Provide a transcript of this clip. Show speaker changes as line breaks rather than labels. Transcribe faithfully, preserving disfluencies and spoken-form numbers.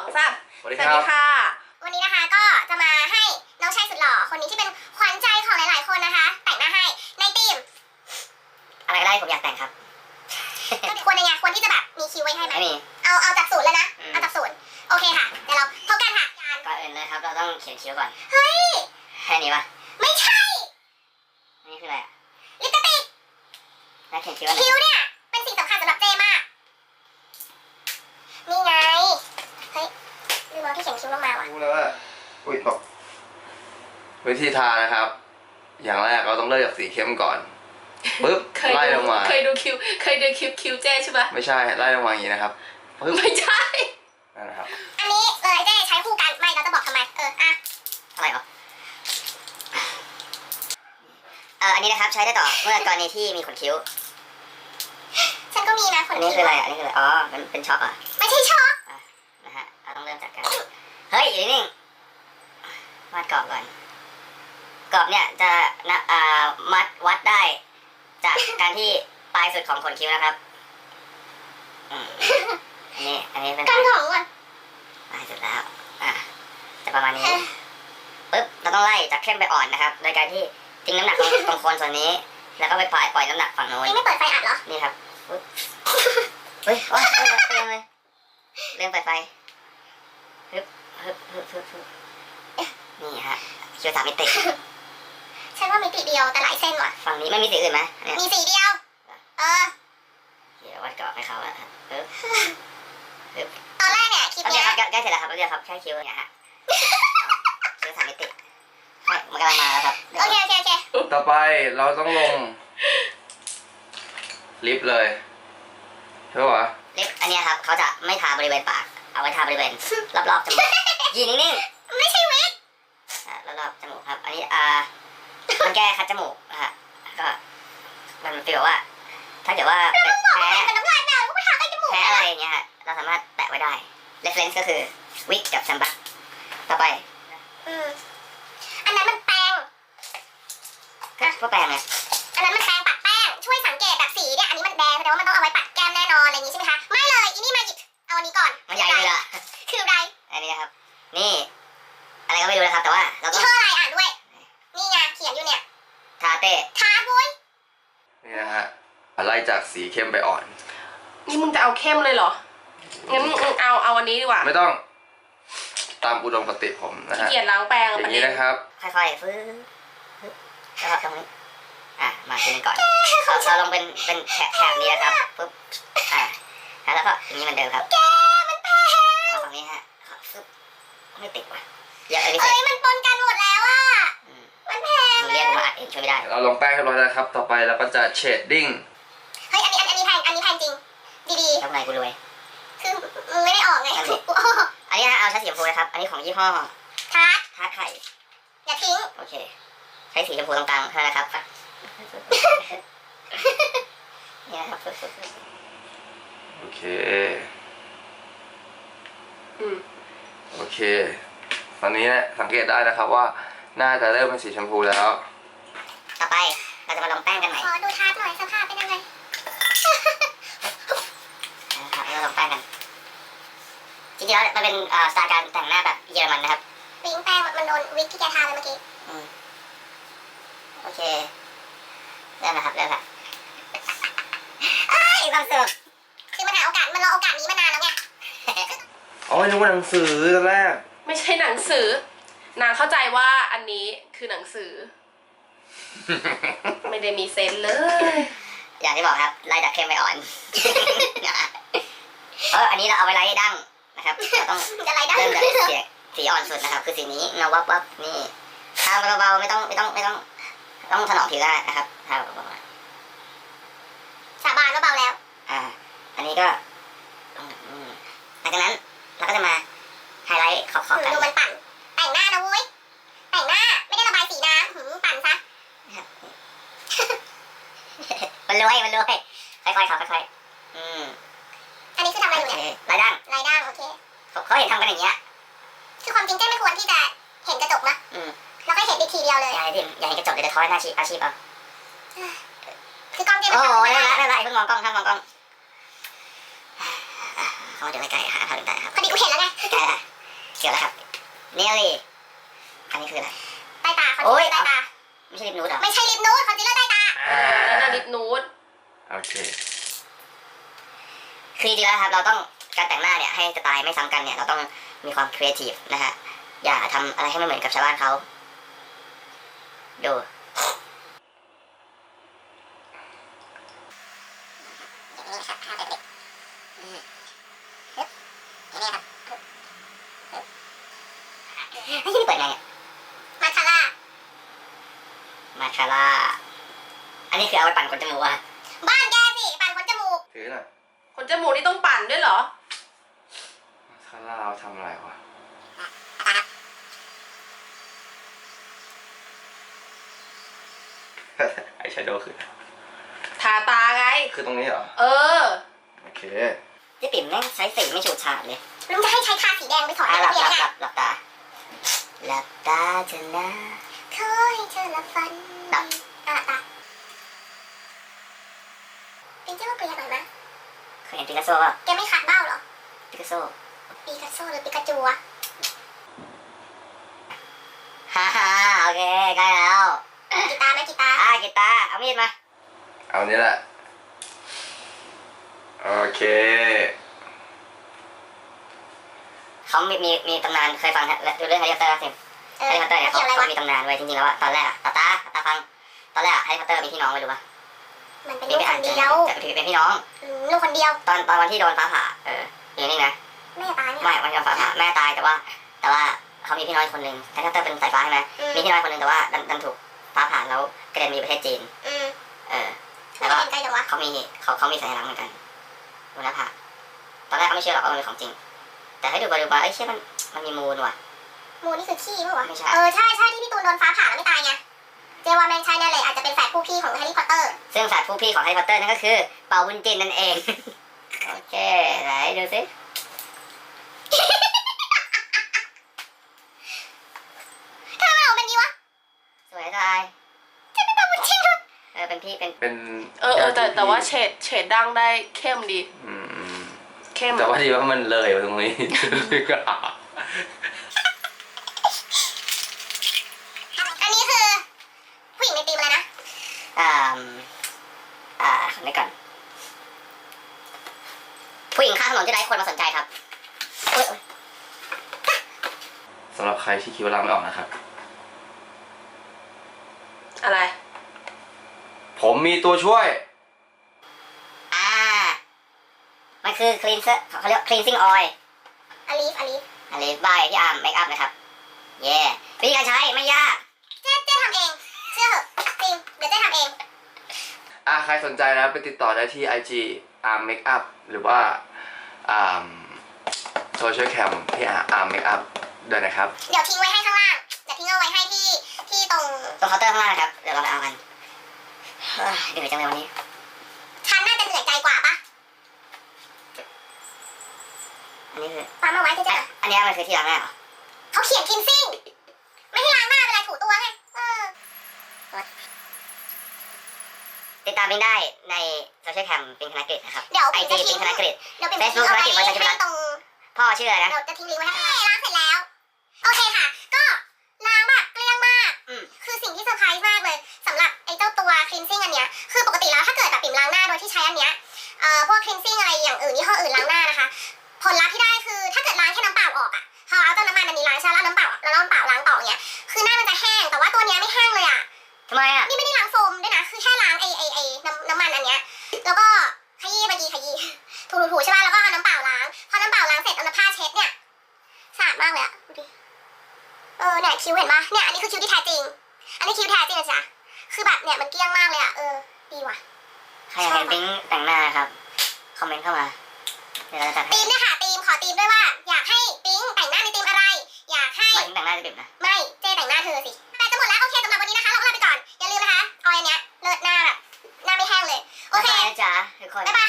สาม
สวัสดีค่ะ
วันนี้นะคะก็จะมาให้น้องชายสุดหล่อคนนี้ที่เป็นขวัญใจของหลายๆคนนะคะ แต่งหน้าให้ในธีมอะไรก็ได้ผมอยากแต่งครับ ควรยังไงควรที่จะแบบมีคิวไว้ให้ไหมไม่มีเอาเอาจากศูนย์เลยนะเอาจากศูนย์โอเคค่ะเดี๋ยวเราพบกันค่ะก่อนอื่นเลยครับเราต้องเขียนคิ้วก่อนเฮ้ยแค่นี้ปะไม่ใช่นี่คืออะไรอะลิปสติกแล้วเขียนคิ้วคิ้วเนี่ยเป็นสิ่งสำคัญสำหรับเจมากนี่ไงเฮ้ยลืมเอาที่เขียนคิ้วลงมาว่ะ
รู้แล้วว่าอุ้ยตกวิธีทานะครับ อย่างแรกเราต้องเริ่มจากสีเข้มก่อนปึ๊บไล่ลงมา
เคยดูคิวเคยดูคิวคิวเจใช่ปะ
ไม่ใช่ไล่ลงมาอย่างนี้นะครับปึ๊บ
ไม่ใช่
นั่นนะครับ
อันนี้เลยเจใช้คู่กันไม่เราจะบอกทำไมเอออะอะไรเหรอเอออันนี้นะครับใช้ได้ต่อเมื่อกรณีที่มีขนคิ้วฉันก็มีนะขนคิ้วอันนี้คืออะไรอันนี้คืออะไรอ๋อมันเป็นช็อคอ่ะไม่ใช่ช็อคอ่ะนะฮะเราต้องเริ่มจากการเฮ้ยอยู่นิ่งวาดกรอบก่อนกรอบเนี่ยจะนะอ่ามัดวัดได้จากการที่ปลายสุดของขนคิ้วนะครับอันนี้อันนี้เป็นกันของก่อนปลายสุดแล้วอ่ะจะประมาณนี้ปึ๊บเราต้องไล่จากเข้มไปอ่อนนะครับโดยการที่ทิ้งน้ำหนักตรงตรงโคนส่วนนี้แล้วก็ไปปล่อยปล่อยน้ำหนักฝั่งโน้นนี่ไม่เปิดไฟอัดเหรอนี่ครับปึ๊บเฮ้ยโอ๊ยเริ่มเลยเริ่มเปิดไฟฮึบฮึบฮึบฮึบฮึบนี่ฮะคิ้วสามมิติฉันว่ามิติเดียวแต่หลายเส้นว่ะฝั่งนี้ไม่มีสีอื่นไหมมีสีเดียวเออเดี๋ยววัดกรอบให้เขาอะปึ๊บปึ๊บตอนแรกเนี่ยคลิปเนี้ยใกล้เสร็จแล้วครับเดี๋ยวครับแค่คิ้วเนี่ยฮะคิ้วสามมิติมันกำลังมาแล้วครับโอเคโอเคโอเค
ต่อไปเราต้องลงลิปเลยใช่ป่ะ
ลิปอันนี้ครับเขาจะไม่ทาบริเวณปากเอาไว้ทาบริเวณรอบๆจมูกยืนนิ่งๆไม่ใช่วิกรอบๆจมูกครับอันนี้อ่ามันแก้คัดจมูกนะฮะก็มันฟีลว่าถ้าเกิดว่าเป็นแพ้แพ้อะไรอย่างเงี้ยฮะเราสามารถแตะไว้ได้ reference ก็คือวิกกับแซมบักต่อไปอืมอันนั้นมันแปรงก็พวกแปรงไงอันนั้นมันแปรงปัดแป้งช่วยสังเกตแบบสีเนี่ยอันนี้มันแดงแสดงว่ามันต้องเอาไว้ปัดแก้มแน่นอนอะไรอย่างงี้ใช่ไหมคะไม่เลยอีนี่มาหยิบเอาอันนี้ก่อนมันใหญ่เลยอะคืออะไรอันนี้นะครับนี่อะไรก็ไม่รู้นะครับแต่ว่าเราต้องชื่ออะไรอ่านด้วยนี่ไงเขียนอยู่เนี่ยทาเต้ทาบุ้ย
นี่นะฮะไล่จากสีเข้มไปอ่อน
นี่มึงจะเอาเข้มเลยเหรองั้นมึงเอาเอาอันนี้ดีกว่า
ไม่ต้องตามอุดมคติผมนะฮะ
เกลียดล้างแปรง
อย่างนี้นะครับ
ค่อยๆฟื้นแล้วก็ตรงนี้อ่ะมาทีนึงก่อนเราลงเป็นเป็นแถบแถบนี้นะครับปุ๊บอ่ะแล้วก็อย่างนี้เหมือนเดิมครับแกมันแพงฝั่งนี้ฮะฟึบไม่ติดว่ะเยอะเลยเอ้ยมันปนกันหมดแล้วอ่ะมันแพงเรียกมาเองช่วยไม่ได้
เราลงแป้งเรียบร้อยแล้วครับต่อไปเราก็จะเชดดิ้ง
เฮ้ยอันนี้อันนี้แพงอันนี้แพงจริงดีๆทำไงกูรวยคือมึงไม่ได้ออกไงอันนี้เอาใช้สีชมพูนะครับอันนี้ของยี่ห้อทาร์ตทาร์ตไข่อย่าทิ้งโอเคใช้สีชมพูตรงกลางเท่านั้นนะครับนี่นะครับ
โอเคอืมโอเคตอนนี้เนี่ยสังเกตได้นะครับว่าน่าจะเริ่มเป็นสีชมพูแล้ว
ต่อไปเราจะมาลงแป้งกันใหม่ขอดูทาร์ตหน่อยสภาพเป็นยังไงนะครับเราลงแป้งกันจริงๆแล้วมันเป็นสไตล์การแต่งหน้าแบบเยอรมันนะครับวิงแป้งมันโดนวิกที่แกทาเลยเมื่อกี้โอเคเริ่มนะครับเริ่มละอีกความสุขคือมันหาโอกาสมันรอโอกาสนี้มานานแล้วไง
อ๋อนึกว่าหนังสือตอนแรก
ไม่ใช่หนังสือนางเข้าใจว่าอันนี้คือหนังสือ ไม่ได้มีเซนเลย
อย่างที่บอกครับไล่จากเข้มไปอ่อนเอออันนี้เราเอาไว้ไล่ดั้งนะครับเราต้องเริ่มจากสีสีอ่อนสุดนะครับคือสีนี้เงาวับวับนี่ทาเบาๆไม่ต้องไม่ต้องไม่ต้องต้องถนอมผิวได้นะครับทาเบาๆสาบานว่าเบาแล้วอ่าอันนี้ก็หลังจากนั้นเราก็จะมาไฮไลท์ขอบๆกันดูมันปั่นแต่งหน้านะเว้ยแต่งหน้าไม่ได้ระบายสีน้ำหืมปั่นซะมันรวยมันรวยค่อยๆครับค่อยๆอืมอันนี้คือทำอะไรอยู่เนี่ยลายด่างลายด่างโอเคเขาเห็นทำกันอย่างเงี้ยคือความจริงเจ้ไม่ควรที่จะเห็นกระจกนะอืมแล้วก็เห็นอีกทีเดียวเลยอย่าเห็นอย่าเห็นกระจกเดี๋ยวจะท้อยหน้าชีพอาชีพเอาคือกล้องเจ้ไม่ทำโอ้ยนั่นแหละนั่นแหละเพิ่งมองกล้องห้ามมองกล้องเขาเดี๋ยวไกลๆหาทางได้ครับพอดีเห็นแล้วไงใกล้ละเกี่ยวแล้วครับเนลลี่อันนี้คืออะไรใต้ตาคอนซีลเลอร์ใต้ตาไม่ใช่ลิปนูดเหรอไม่ใช่ลิปนูดคอนซีลเลอร์ใต้ตา
เออนั่นน่ะลิปนูด
โอเค
คือจริงๆแล้วครับเราต้องการแต่งหน้าเนี่ยให้สไตล์ไม่ซ้ำกันเนี่ยเราต้องมีความครีเอทีฟนะฮะอย่าทำอะไรให้ไม่เหมือนกับชาวบ้านเขาดูนี่เปิดไงเนี่ยมาคาร่ามาคาร่าอันนี้คือเอาไปปั่นขนจมูกอะบ้านแกสิปั่นขนจมูก
ถือหน่อย
ขนจมูกนี่ต้องปั่นด้วยเหรอ
ข้างล่างเราทำอะไรวะ ไอแชโดว์คือ
ทาตาไง
คือตรงนี้เหรอ
เออ
โอเค
พี่ปิ่มแม่งใช้สีไม่ฉูดฉาดเลยลุงจะให้ใช้ทาสีแดงไปถอดหลับหลับหลับหลับตาหลับตาเถอะนะขอให้เธอหลับฝันหลับตาตาเป็นเจ้าเปลี่ยนหน่อยไหมเคยเห็นปิกัสโซป่ะแกไม่ขาดเบ้าเหรอปิกัสโซปิกัสโซหรือปิกาจูอะฮ่าฮ่าโอเคใกล้แล้วกีตาร์ไหมกีตาร์อ่ากีตาร์เอามีดมา
เอานี้แหละ โอเค
เขามีมีมีตำนานเคยฟังดูเรื่องแฮร์รี่พอตเตอร์สิแฮร์รี่พอตเตอร์เนี่ยเขาเขามีตำนานไว้จริงๆแล้วอะตอนแรกอะตาตาตาฟังตอนแรกอะแฮร์รี่พอตเตอร์มีพี่น้องไว้ดูปะมันเป็นลูกคนเดียวจะถือเป็นพี่น้องลูกคนเดียวตอนตอนวันที่โดนฟ้าผ่าเอออยู่นี่นะแม่ตายไม่วันที่โดนฟ้าผ่าแม่ตายแต่ว่า แต่ว่าเขามีพี่น้อยคนหนึ่งแฮร์รี่พอตเตอร์เป็นสายฟ้าใช่ไหมมีพี่น้อยคนหนึ่งแต่ว่าดันดันถูกฟ้าผ่าแล้วกระเด็นมาอยู่ประเทศจีนเออแล้วก็เขามีเขาเขามีสัญลักษณ์เหมือนกันบนหน้าผากตอนแรกเขาไม่เชื่อหรอกว่ามันเป็นของจริงแต่ให้ดูไปดูมาเอ้ยเชื่อมันมันมีมูลว่ะมูลนี่คือขี้ป่ะวะไม่ใช่เออใช่ใช่ที่พี่ตูนโดนฟ้าผ่าแล้วไม่ตายไงเจว่าแมงใช่แน่เลยอาจจะเป็นแฝดผู้พี่ของแฮร์รี่พอตเตอร์ซึ่งแฝดผู้พี่ของแฮร์รี่พอตเตอร์นั่นก็คือเป่าบุญจินนั่นเอง โอเคไหนดูสิทำไมออกเป็นนี้วะสวยทายจะเป็นเป่าบุญจินด้วยเออเป็นพี่เป็น
เป็น
เออเออแต่แต่ว่าเฉดเฉดดั้งได้เข้มดี
อืม
เข้ม
แต่ว่าดีว่ามันเลยไปตรงนี้
อันนี้คือผู้หญิงในตีมอะไรนะอ่าอ่าคนนี้ก่อนผู้หญิงข้างถนนที่ไร้คนมาสนใจครับเอ้ย
สำหรับใครที่คิดว่าล้างไม่ออกนะครับ
อะไร
ผมมีตัวช่วย
อ่ามันคือ cleanser เขาเรียก cleansing oil อลีฟอลีฟอลีฟบายพี่อาร์มเมคอัพนะครับเย่วิธีการใช้ไม่ยากเจ๊เจ๊ทำเองเชื่อเหอะจริงเดี๋ยวเจ๊ทำเอง
อ่าใครสนใจนะไปติดต่อได้ที่ ไอ จี Arm Makeup หรือว่าอ่า Social Cam ที่ Arm Makeup ด้วยนะครับ
เดี๋ยวทิ้งไว้ให้ข้างล่างเดี๋ยวทิ้งเอาไว้ให้ที่ที่ตรงตรงเคาน์เตอร์ข้างล่างนะครับเดี๋ยวเราไปเอากันเฮ้ยเหนื่อยจังเลยวันนี้ฉันน่าจะเหนื่อยใจกว่าปะอันนี้คือปั๊มเอาไว้ที่จะอันนี้มันคือที่ล้างหน้าเหรอเขาเขียนคินซิ่งไม่ให้ล้างหน้าเป็นไรถูตัวไงเออติดตามปิงได้ในโซเชียลแคมปิงธนกฤษนะครับเดี๋ยวไอจีปิงธนกฤษเฟซบุ๊กธนกฤษวันชัยรัตน์ตรงพ่อชื่ออะไรนะเราจะทิ้งลิงก์ไว้ให้ล้างเสร็จแล้วโอเคค่ะก็ล้างแบบเกลี้ยงมากคือสิ่งที่เซอร์ไพรส์มากเลยสำหรับไอ้เจ้าตัวคลีนซิ่งอันเนี้ยคือปกติแล้วถ้าเกิดแบบปิ่มล้างหน้าโดยที่ใช้อันเนี้ยเอ่อพวกคลีนซิ่งอะไรอย่างอื่นยี่ห้ออื่นล้างหน้านะคะผลลัพธ์ที่ได้คือถ้าเกิดล้างแค่น้ำเปล่าออกอะพอเอาเจ้าน้ำมันอันนี้ล้างใช่แล้วน้ำเปล่าแล้วน้ำเปล่าล้างต่อเนี้ยคือหน้ามันจะแห้งแต่ว่าตัวเนี้ยไม่แห้งเลยอะทำไมอะนี่ไม่ได้ล้างโฟมด้วยนะคือแค่ล้างไอ้ไอ้ไอ้น้ำน้ำมันอันเนี้ยแล้วก็ขยี้เมื่อกี้ขยี้ถูๆใช่ป่ะแล้วก็เอาน้ำเปล่าล้างพอน้ำเปล่าล้างเสร็จเอาน้ำผ้าเช็ดเนี่ยสะอาดมากเลยอะดูดิเออเนี่ยคิ้วเห็นปะเนี่ยอันนี้คือคิ้วที่แท้จริงอันนี้คิ้วแท้จริงนะจ๊ะคือแบบเนี่ยมันเกลี้ยงมากเลยอะเออดีว่ะใครอยากเห็นปิ๊งแต่งหน้าครับคอมเมนต์เข้ามาเดี๋ยวเราจะจัดให้ทีมเนี่ยค่ะทีมขอทีมด้วยว่าอยากให้ปิ๊งแต่งหน้าในทีมอะไรอยากให้ไม่แต่งหน้าจะบิบนะไม่เจ๊แต่งหน้าเธอสิแต่จะหมดแล้วโอเคสำหรับวันนี้นะคะเราลาไปก่อนอย่าลืมนะคะเอาอันเนี้ยเลิศหน้าแบบหน้าไม่แห้งเลยโอเคจ้าทุกคนบ๊ายบาย